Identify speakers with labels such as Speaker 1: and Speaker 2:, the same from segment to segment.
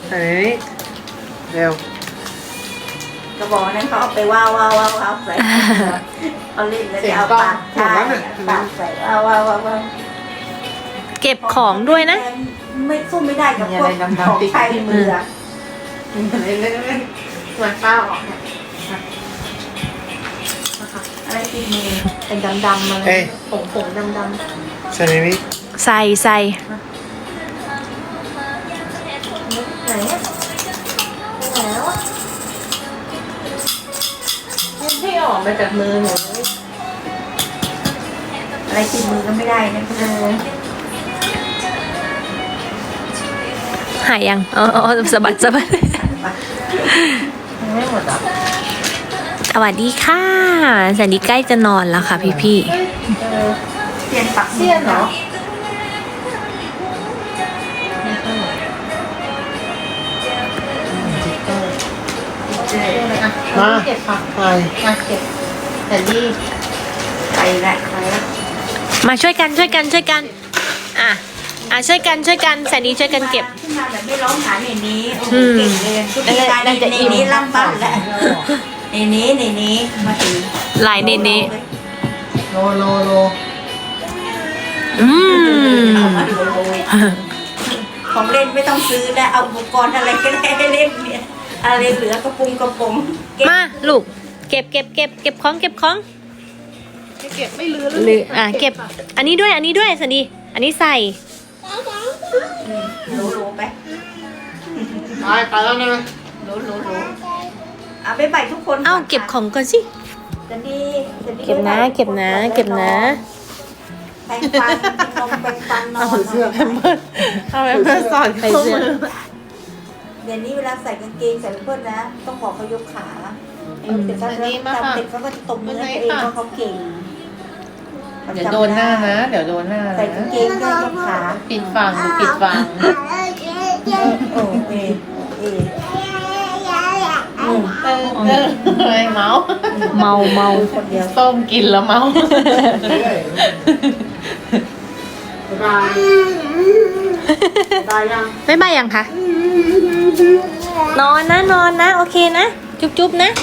Speaker 1: ใส่ในนี้เร็ว
Speaker 2: กระบอกนั้นเขาเอาไปว้าวใส่เขาเล่นแล้วจะเอาปากใช่ปากใส่ว้าว
Speaker 3: เก็บของด้วยนะ
Speaker 2: ไม่สู้ไม่ได้กับพวกของใช้มือ
Speaker 1: อะไรเล่นส่วนข้าวออกเนี่ย
Speaker 2: อะไรที่มือ
Speaker 1: เป็นดำๆมาเลยผงดำๆใส่ในนี้
Speaker 3: ใส่
Speaker 1: ไหนแล้วที่ออกมาจากมือหนู
Speaker 2: อะไรที่มือก็ไม่ได้นะ
Speaker 3: หายยังอ๋อสะบัด
Speaker 1: ไม่หมดอ่ะ
Speaker 3: สวัสดีค่ะแสนดีใกล้จะนอนแล้วค่ะพี่
Speaker 2: เปลี่ยนปัก
Speaker 1: เสี้ยนเหรอมาเก็บผักไปมาเก็บแต่ดี
Speaker 2: ไปละ
Speaker 3: ๆมาช่วยกันอ่ะช่วยกันช่วยกันแสนดีช่วยกันเก็บ
Speaker 2: ขึ้นมาแบบไม่ร้องหาในนี้โอ้โหเก่งเลยทุกทีการในนี้ล่ำบ้านแล้วในนี้มาถึง
Speaker 3: ลายเนเน่
Speaker 1: โล
Speaker 3: อืม
Speaker 2: ของเล่นไม่ต้องซื้อแล้วเอาอุปกรณ์อะไรก็ได้ให้เล่นเนี่ยอะไรเหลือกระปุง
Speaker 3: มาลูกเก็บของ
Speaker 1: ไม่เก็บไม่ลือ
Speaker 3: หรือเก็บอันนี้ด้วยแสนดีอันนี้ใส่
Speaker 2: รู้ไป
Speaker 1: ไปแล้วนะ
Speaker 2: รู้เอาไปใบทุกคน
Speaker 3: เอ้าเก็บของก่อนสิ
Speaker 2: จะดี
Speaker 3: เก็บนะ
Speaker 2: แปรงฟันนอน
Speaker 1: เสื้อแพมเพิร์สเอาแพมเพิร์สสอน
Speaker 3: ใส่เสื้อ
Speaker 2: เดี๋ยวนี้เวลาใส่กางเกงใส่เพื่อนนะต้องบอกเขายกขาเด็กเขาเด็กเขาก็จะตบมือให้ตัวเองว่าเขาเก่ง
Speaker 1: เดี๋ยวโดนหน้านะเดี๋ยวโดนหน้า
Speaker 2: ใส่กางเกงด้วยยกขา
Speaker 1: ปิดฝั่งปิดฝั่ง
Speaker 2: โอ้
Speaker 1: เมา
Speaker 3: เมา
Speaker 2: คนเดียว
Speaker 1: ส้มกินแล้วเมาบายยัง
Speaker 3: ไม่บายยังคะนอนนะโอเคนะจุ๊บนะ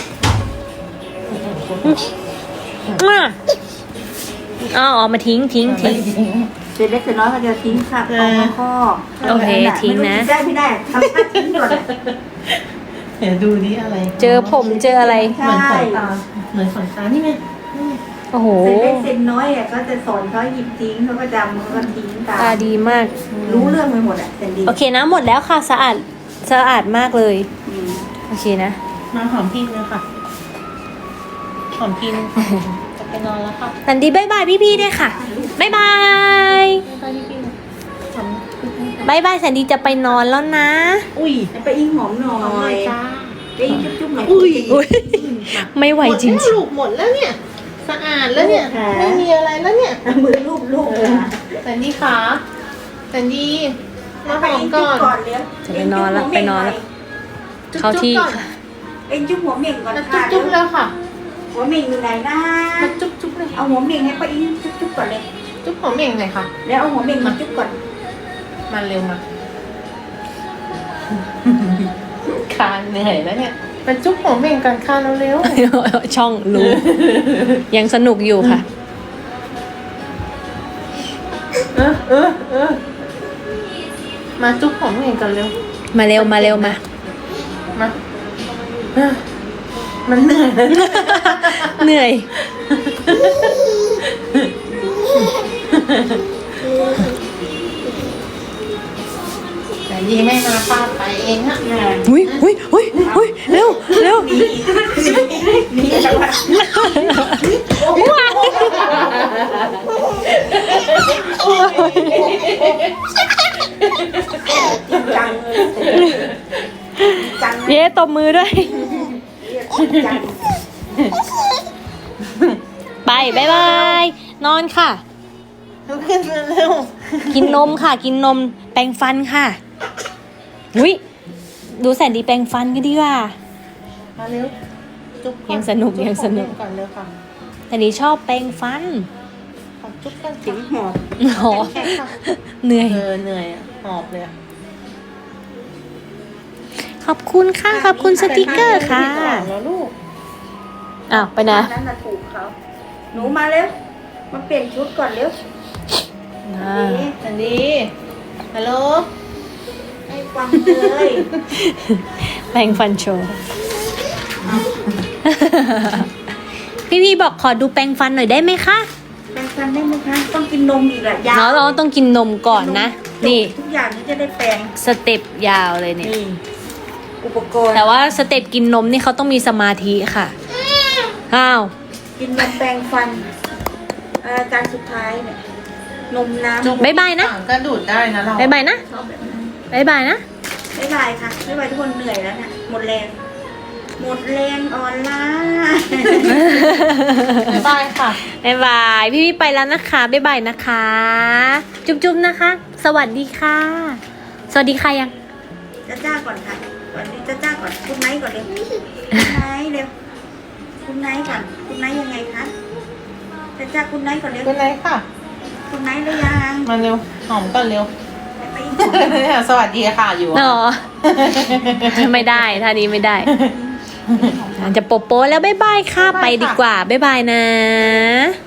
Speaker 3: มาเอามาทิ้ง
Speaker 2: เสร็จเล็กเสร็จน้อยก็เดียวทิ้งค่ะเอามาข้อ
Speaker 3: โอเคทิ้งนะ
Speaker 2: ได้ไม่ได้ทำท่าทิ้งด่วน
Speaker 1: เดี๋ยวดูนี่อะไร
Speaker 3: เจอผมเจออะไร
Speaker 2: ใช่
Speaker 1: เหมือนขนตานี่ไง
Speaker 3: โอ้โห
Speaker 2: เสร็จเล็กเสร็จน้อยอ่ะก็จะสอนเขาหยิบทิ้งเขาก็จำเขาก็ทิ้งตาม
Speaker 3: ตาดีมาก
Speaker 2: รู้เรื่องไปหมดอ่ะเสร็จดี
Speaker 3: โอเคนะหมดแล้วค่ะสะอาดมากเลยโอเคนะ
Speaker 1: มาหอมพิมเลยค่ะหอมพิมจะไปนอนแล้วค่ะ
Speaker 3: สันดีบายบายพี่ๆด้วยค่ะบายบาย
Speaker 1: ไปพี่พิม
Speaker 3: บายบายสันดีจะไปนอนแล้วนะ
Speaker 1: อุ้ย
Speaker 2: ไปอิงหอมหน่อ
Speaker 1: หอมเลย ยจ้า
Speaker 2: ไปอิงจุ๊บๆหน่อย
Speaker 3: อุ้ยไม่ไหวจริง
Speaker 1: ลูกหมดแล้วเนี่ยสะอาดแล้วเนี่ยไม่มีอะไรแล้วเนี่ย
Speaker 2: มือลูบค่ะ
Speaker 1: แต่นี่ขาแต่นี่มาห
Speaker 2: ไป
Speaker 1: อม
Speaker 2: อิง
Speaker 1: ก่
Speaker 2: จุ๊
Speaker 1: อบ น
Speaker 2: ก่อนเลี้ยง
Speaker 3: จะไปนอนแล้วเข้าที่ค่ะ
Speaker 2: เอ็งจุ๊บหัวเม่งก่อน
Speaker 1: มา
Speaker 2: ค่ะ
Speaker 1: จุ๊บแล้วค่ะ
Speaker 2: หัวเม่งอยู่ไหนนะ
Speaker 1: มาจุ๊บเลย
Speaker 2: เอาหัวเม่งให้ไปอิงจุ๊บก่อนเลย
Speaker 1: จุ๊บหอมเองหน่อยค่ะ
Speaker 2: แล้วเอาหัวเม่งมาจุ๊บก่อน
Speaker 1: มาเร็วมาคานเหนื่อยแล้วเนี่ยมาจุ๊บหอมเองก่อนคานเร็ว
Speaker 3: ช่องรู้ ยังสนุกอยู่ค่ะ
Speaker 1: มาจุ๊บหอมเองก่อนเร็ว
Speaker 3: มาเร็วมา
Speaker 1: มามันเหนื่อย
Speaker 3: เหนื่อย
Speaker 1: แต่ดีไม่มาป้าไปเองฮะ
Speaker 3: อุ้ยเร็ว
Speaker 2: นี่จังหวะ
Speaker 3: ว้าว
Speaker 2: จังจัง
Speaker 3: เย้ตบมือด้วย
Speaker 2: จัง
Speaker 3: ไปบายบายนอนค่ะ
Speaker 1: ขึ้นมาเร็ว
Speaker 3: กินนมค่ะ กินนมแปรงฟันค่ะอุ้ยดูแสนดีแปรงฟันกันดีกว่า
Speaker 1: มาเร็วจุ๊บ
Speaker 3: ยังสนุก
Speaker 1: ก่อนเร็วค่ะ
Speaker 3: แสนดีชอบแปรงฟัน
Speaker 1: ขอจุ๊บกัน
Speaker 2: ถึงหอบ
Speaker 3: โหเหนื่อย
Speaker 1: เหนื่อยอ่ะหอบเลย
Speaker 3: ขอบคุณค่ะ ขอบคุณสติกเกอร์ค่ะ
Speaker 1: แล้วลูก
Speaker 3: อ้าวไปนะ
Speaker 2: นั่นน่ะถูกเขาหนูมาเร็วมาเปลี่ยนชุดก่อนเร็ว
Speaker 1: สันดีฮัลโหล
Speaker 2: ให้ฟังเลย
Speaker 3: แปรงฟันโชว์ พี่บอกขอดูแปรงฟันหน่อยได้ไหมคะ
Speaker 2: แปรงฟันได้ไหมคะต้องกินนมอีกอะยาว
Speaker 3: เราต้องกินนมก่อนนะ นี่
Speaker 2: ทุกอย่างที่จะได้แปรง
Speaker 3: สเต็ปยาวเลยเนี่ย
Speaker 2: นี่อุปกรณ์
Speaker 3: แต่ว่าสเต็ปกินนมนี่เขาต้องมีสมาธิค่ะ อ้าว
Speaker 2: กินนมแปรงฟันอาการสุดท้ายเนี่ยนมน้ำ
Speaker 3: บ๊ายบายนะ
Speaker 1: ก็ดูดได้นะเรา
Speaker 3: บ๊ายบายนะ
Speaker 2: ชอบแบบนั้น
Speaker 3: บ๊ายบายนะ
Speaker 2: บ๊ายบายค่ะบ๊ายบายทุกคนเหนื่อยแล้วเนี่ยหมดแรงหมดแรงอ่อนล้า
Speaker 1: บ๊ายบายค่ะ
Speaker 3: บ๊ายบาย พี่ไปแล้วนะคะ บ๊ายบายนะคะ จุ๊บๆนะคะ สวัสดีค่ะ สวัสดีค่ะยัง
Speaker 2: จ้าก่อนค่ะก่อนนี้จ้าก่อนคุณไนท์ก่อนเร็วคุณไนท์เร็วคุณไนท์ก่อนคุณไนท์ยังไงคะจ้าคุณไนท์ก่อนเร็ว
Speaker 1: เป็นไรค่ะ
Speaker 2: คุณไนท์หรือยัง
Speaker 1: มาเร็ว หอมก่อนเร็ว
Speaker 2: ไป
Speaker 1: สวัสดีค่ะอยู่
Speaker 3: อ๋อ ไม่ได้ท่านี้ไม่ได้ จะโปโปแล้วบ๊ายบายค่ะ ไปดีกว่า บ๊ายบายนะ